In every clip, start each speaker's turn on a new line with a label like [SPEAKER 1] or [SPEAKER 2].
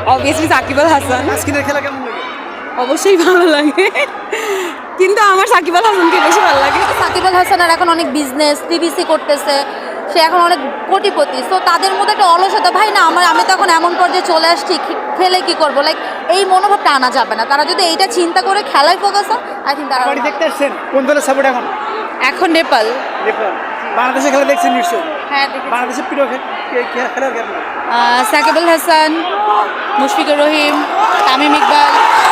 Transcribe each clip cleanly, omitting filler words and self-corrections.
[SPEAKER 1] Obviously Shakib Al Hasan.
[SPEAKER 2] তাসকিনের খেলা কেমন লাগে?
[SPEAKER 1] অবশ্যই ভালো লাগে, কিন্তু আমার সাকিব আল হাসানকে বেশি ভালো লাগে।
[SPEAKER 3] সাকিব আল হাসানের এখন অনেক বিজনেস টিভিসি করতেছে, সে এখন অনেক কোটিপতি। সো তাদের মধ্যে একটা অলসতা, ভাই না আমি তো এখন এমন পর্যায়ে চলে আসছি, খেলে কি করবো, লাইক এই মনোভাবটা আনা যাবে না। তারা যদি এইটা চিন্তা করে খেলায় ফোকাস হয়, আই থিঙ্ক তারা
[SPEAKER 2] বাড়ি দেখতে আসছেন কোন দলের সাপোর্ট এখন?
[SPEAKER 1] এখন নেপাল।
[SPEAKER 2] নেপাল। বাংলাদেশের খেলা দেখছেন নিশ্চয়ই?
[SPEAKER 1] হ্যাঁ,
[SPEAKER 2] বাংলাদেশের প্রিয় খেলার কেমন?
[SPEAKER 1] সাকিব আল হাসান, মুশফিকুর রহিম, তামিম ইকবাল।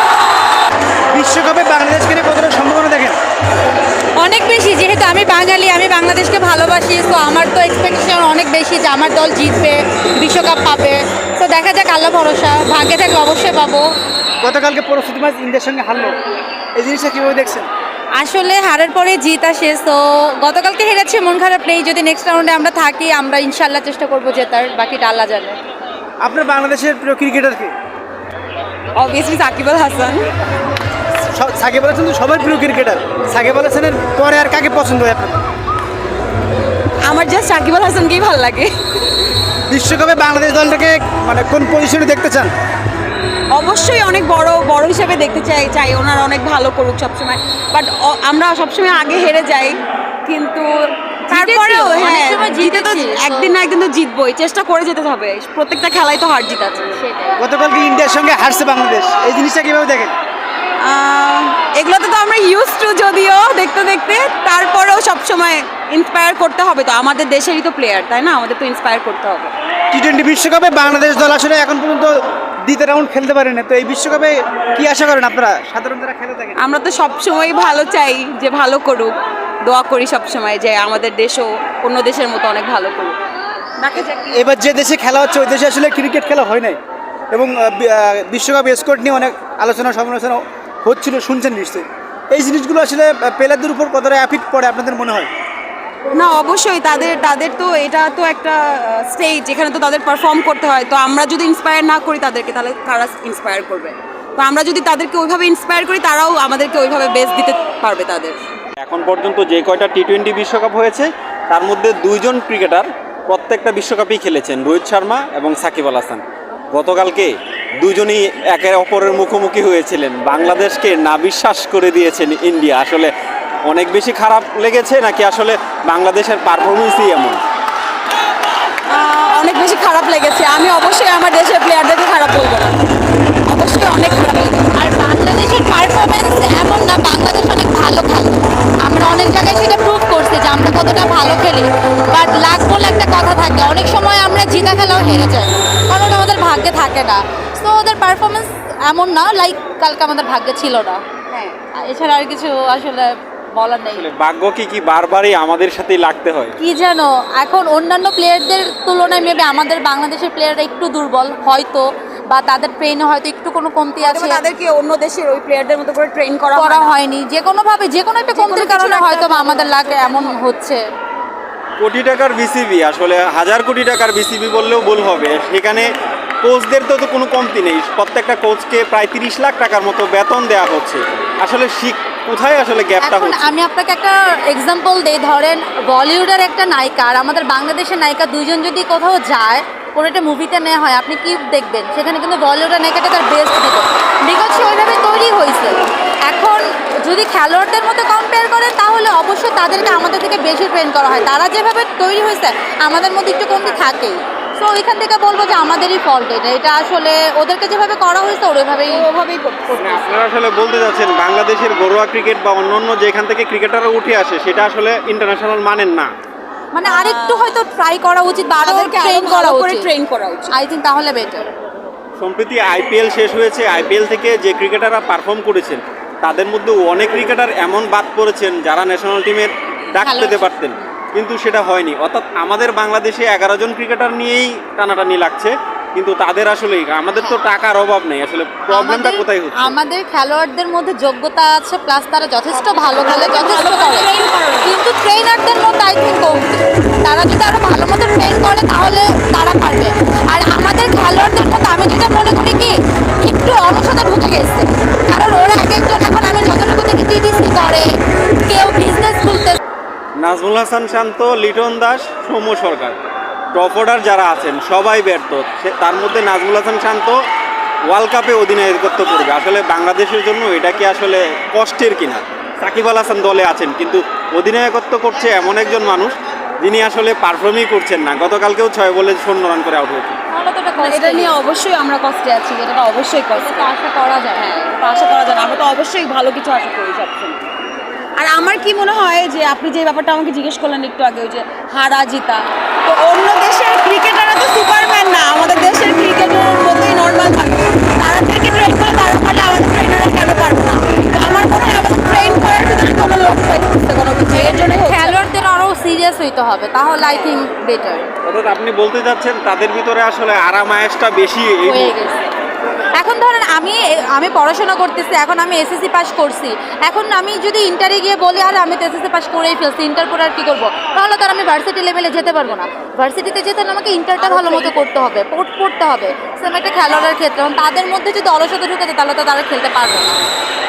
[SPEAKER 2] বিশ্বকাপে বাংলাদেশকে নিয়ে কতটা সম্ভাবনা দেখেন?
[SPEAKER 1] অনেক বেশি, যেহেতু আমি বাঙালি, আমি বাংলাদেশকে ভালোবাসি, তো আমার তো এক্সপেকটেশন অনেক বেশি যে আমার দল জিতবে, বিশ্বকাপ পাবে। তো দেখা যাক, আল্লাহ ভরসা, ভাগ্যে থাকলে অবশ্যই পাবো।
[SPEAKER 2] গতকালকে প্রস্তুতি ম্যাচ ইন্ডিয়ার সঙ্গে হারলো, এই জিনিসটা কীভাবে দেখছেন?
[SPEAKER 1] আসলে হারের পরে জিত আসে, তো গতকালকে হেরেছে, মন খারাপ নেই। যদি নেক্সট রাউন্ডে আমরা থাকি, আমরা ইনশাল্লাহ চেষ্টা করবো জেতার, বাকিটা আল্লাহ জানে।
[SPEAKER 2] আপনার বাংলাদেশের প্রিয় ক্রিকেটার কে?
[SPEAKER 1] অবভিয়াসলি সাকিব আল হাসান।
[SPEAKER 2] সাকিব আল হাসান তো সবার প্রিয় ক্রিকেটার, সাকিব আল হাসানের পরে আর কাকে পছন্দ হয় আপনার?
[SPEAKER 1] আমার জাস্ট সাকিব আল হাসানকেই ভালো লাগে।
[SPEAKER 2] বিশ্বকাপে বাংলাদেশ দলটাকে মানে কোন পজিশনে দেখতে চান?
[SPEAKER 1] অবশ্যই অনেক বড় হিসেবে দেখতে চাই ওনারা অনেক ভালো করুক সবসময়, বাট আমরা সবসময় আগে হেরে যাই, কিন্তু তারপরেও
[SPEAKER 3] অনেক সময়
[SPEAKER 1] জিতে তো
[SPEAKER 3] জিতেছি,
[SPEAKER 1] একদিন না একদিন তো জিতবই, চেষ্টা করে যেতে হবে। প্রত্যেকটা খেলায় তো হার জিত আছে।
[SPEAKER 2] গতকালকে ইন্ডিয়ার সঙ্গে হারছে বাংলাদেশ, এই জিনিসটা কিভাবে দেখেন?
[SPEAKER 1] এগুলোতে তো আমরা ইউজ টু, যদিও দেখতে দেখতে, তারপরেও সবসময় ইন্সপায়ার করতে হবে। তো আমাদের দেশেরই তো প্লেয়ার, তাই না, আমাদের তো ইন্সপায়ার করতে হবে।
[SPEAKER 2] টি-20 বিশ্বকাপে বাংলাদেশ দল আসলে এখন পর্যন্ত দ্বিতীয় রাউন্ড খেলতে পারে না, তো এই বিশ্বকাপে কি আশা করেন আপনারা সাধারণ যারা খেলে থাকেন?
[SPEAKER 1] আমরা তো সবসময় ভালো চাই, যে ভালো করুক, দোয়া করি সবসময় যে আমাদের দেশও অন্য দেশের মতো অনেক ভালো করুক। দেখা যাক।
[SPEAKER 2] এবার যে দেশে খেলা হচ্ছে ওই দেশে আসলে ক্রিকেট খেলা হয় নাই, এবং বিশ্বকাপ স্কোর নিয়ে অনেক আলোচনা সমালোচনা হচ্ছিল, শুনছেন নিশ্চয়ই। এই জিনিসগুলো আসলে প্লেয়ারদের উপর কতটা এফেক্ট পড়ে আপনাদের মনে হয়?
[SPEAKER 1] না, অবশ্যই তাদের তো এটা তো একটা স্টেজ, যেখানে তো তাদের পারফর্ম করতে হয়। তো আমরা যদি ইন্সপায়ার না করি তাদেরকে, তাহলে কারা ইন্সপায়ার করবে? তো আমরা যদি তাদেরকে ওইভাবে ইন্সপায়ার করি, তারাও আমাদেরকে ওইভাবে বেস্ট দিতে পারবে তাদের।
[SPEAKER 4] এখন পর্যন্ত যে কয়টা টি-20 বিশ্বকাপ হয়েছে তার মধ্যে দুইজন ক্রিকেটার প্রত্যেকটা বিশ্বকাপেই খেলেছেন, রোহিত শর্মা এবং সাকিব আল হাসান। গতকালকে দুজনই একে অপরের মুখোমুখি হয়েছিলেন, বাংলাদেশকে নাবিশ্বাস করে দিয়েছেন ইন্ডিয়া। আসলে অনেক বেশি খারাপ লেগেছে, নাকি আসলে বাংলাদেশের পারফরমেন্সই এমন?
[SPEAKER 1] অনেক বেশি খারাপ লেগেছে। আমি অবশ্যই আমার দেশের প্লেয়ারদেরকে খারাপ বলবো না, অবশ্যই অনেক খারাপ লেগেছে।
[SPEAKER 3] আর বাংলাদেশের পারফরমেন্স এমন না, বাংলাদেশ অনেক ভালো খেলে, আমরা অনেক জায়গায় সেটা প্রুভ করছি যে আমরা কতটা ভালো খেলি। বাট লাক বলে একটা কথা থাকে, অনেক সময় আমরা জিতা খেলাও হেরে যাই, কারণ আমাদের ভাগ্যে থাকে না। সো ওদের পারফরমেন্স এমন না, লাইক কালকে আমাদের ভাগ্যে ছিল না। হ্যাঁ, এছাড়া আর কিছু আসলে বলার নেই।
[SPEAKER 4] আসলে ভাগ্য কি বারবারই আমাদের সাথেই লাগতে হয়?
[SPEAKER 3] কি জানো, এখন অন্যান্য প্লেয়ারদের তুলনায় মেবি আমাদের বাংলাদেশের প্লেয়াররা একটু দুর্বল হয়তো, বা তাদের ট্রেনে হয়তো একটু কোনো কমতি আছে,
[SPEAKER 1] তাদেরকে অন্য দেশের ওই প্লেয়ারদের মতো করে ট্রেন করা
[SPEAKER 3] হয়নি। যে কোনোভাবে যে কোনো একটা কমতির কারণে হয়তো বা আমাদের লাগে এমন হচ্ছে।
[SPEAKER 4] কোটি টাকার বিসিবি, আসলে হাজার কোটি টাকার বিসিবি বললেও ভুল হবে। সেখানে কোচদের তো কোনো কমতি নেই, প্রত্যেকটা কোচকে প্রায় 30 লাখ টাকার মতো বেতন দেওয়া হচ্ছে। আসলে কোথায় আসলে গ্যাপটা
[SPEAKER 3] এখন
[SPEAKER 4] হচ্ছে?
[SPEAKER 3] আমি আপনাকে একটা এক্সাম্পল দেই, ধরেন বলিউডের একটা নায়িকা আর আমাদের বাংলাদেশের নায়িকা, দুইজন যদি কোথাও যায়, কোনো একটা মুভিতে নেওয়া হয়, আপনি কি দেখবেন? সেখানে কিন্তু বলিউডের নায়িকাটা তার বেস্ট দিবে, বিকজ সে ওইভাবে তৈরি হয়েছে। এখন যদি খেলোয়াড়দের মতো কম্পেয়ার করেন, তাহলে অবশ্যই তাদেরকে আমাদের থেকে বেশি ট্রেন করা হয়। তারা যেভাবে তৈরি হয়েছে, আমাদের মধ্যে একটু কমতি থাকেই। তো ওইখান থেকে বলবো যে আমাদেরই ফল্ট এটা আসলে ওদেরকে যেভাবে করা হয়েছে ওইভাবেই করতে।
[SPEAKER 4] আপনারা আসলে বলতে যাচ্ছেন বাংলাদেশের ঘরোয়া ক্রিকেট বা অন্যান্য যেখান থেকে ক্রিকেটাররা উঠে আসে সেটা আসলে ইন্টারন্যাশনাল মানের না,
[SPEAKER 3] মানে আরেকটু হয়তো ট্রাই করা উচিত বা আরো ট্রেন করা উচিত, আই থিঙ্ক তাহলে বেটার।
[SPEAKER 4] সম্প্রতি আইপিএল শেষ হয়েছে, আইপিএল থেকে যে ক্রিকেটাররা পারফর্ম করেছেন তাদের মধ্যে অনেক ক্রিকেটার এমন বাদ পড়েছেন যারা ন্যাশনাল টিমের ডাক পেতে পারতেন, কিন্তু সেটা হয়নি। অর্থাৎ আমাদের বাংলাদেশে 11 জন ক্রিকেটার নিয়েই টানাটানি লাগছে, কিন্তু তাদের আসলে আমাদের তো টাকার অভাব নেই। আসলে প্রবলেমটা কোথায় হচ্ছে?
[SPEAKER 3] আমাদের খেলোয়াড়দের মধ্যে যোগ্যতা আছে, প্লাস তারা যথেষ্ট ভালো খেলে, যথেষ্ট করে, কিন্তু ট্রেনারদের মধ্যে আই থিঙ্ক কমতি। তারা যদি আরো ভালো মতো ট্রেন করে তাহলে তারা পারবে। আর আমাদের খেলোয়াড়দের মধ্যে আমি যেটা মনে করি কি, একটু অলসতা ঢুকে গেছে, কারণ ওরা এক একজন এখন আমি যতটুকু দেখি টিডিসি করে, কেউ বিজনেস খুলতে।
[SPEAKER 4] নাজমুল হাসান শান্ত, লিটন দাস, সৌম্য সরকার, টপ অর্ডার যারা আছেন সবাই ব্যর্থ। তার মধ্যে নাজমুল হাসান শান্ত ওয়ার্ল্ড কাপে অধিনায়কত্ব করবে, আসলে বাংলাদেশের জন্য এটা কি আসলে কষ্টের কিনা? সাকিব আল হাসান দলে আছেন কিন্তু অধিনায়কত্ব করছে এমন একজন মানুষ যিনি আসলে পারফর্মই করছেন না। গতকালকেও 6 বলে 0 রান করে আউট হয়েছে।
[SPEAKER 3] তাহলে তো এটা
[SPEAKER 1] এটা নিয়ে অবশ্যই আমরা কষ্টে আছি, এটা তো অবশ্যই কষ্ট।
[SPEAKER 3] তো আশা করা যায়।
[SPEAKER 1] হ্যাঁ, এটা আশা করা যায় না, আমরা তো অবশ্যই ভালো কিছু আশা করি সবসময়। আর আমার কি মনে হয় যে আপনি যে ব্যাপারটা আমাকে জিজ্ঞেস করলেন একটু আগে, ওই যে হারা জিতা, তো অন্য দেশের ক্রিকেটাররা তো সুপারম্যান না, আমাদের দেশের ক্রিকেটারের মতোই নর্মাল থাকে। তাদেরকে ট্রেন করে তারা পারলে আমাদের ট্রেনাররা কেন পারবে না? তো আমার মনে হয় আমাদের ট্রেন করার ভিতরে কোনো লোক পাইতেছে কোনো কিছু, এর জন্যই হচ্ছে।
[SPEAKER 3] খেলোয়াড়দের আরও সিরিয়াস হইতে হবে, তাহলে আই থিঙ্ক বেটার
[SPEAKER 4] অর্থাৎ আপনি বলতে চাচ্ছেন তাদের ভিতরে আসলে আরাম আয়েসটা বেশি এই
[SPEAKER 3] হয়ে গেছে। এখন ধরেন আমি পড়াশোনা করতেছি, এখন আমি এসএসসি পাস করছি, এখন আমি যদি ইন্টারে গিয়ে বলি আর আমি তো এসএসসি পাস করেই ফেলছি, ইন্টার পরে আর কী করবো, তাহলে তো আর আমি ভার্সিটি লেভেলে যেতে পারবো না। ভার্সিটিতে যেতে হলে আমাকে ইন্টারটা ভালো মতো করতে হবে, পড়তে হবে। সেম একটা খেলোয়াড়ের ক্ষেত্রে তাদের মধ্যে যদি অলসতা ঢুকে যায় তাহলে তো তারা খেলতে পারবে না।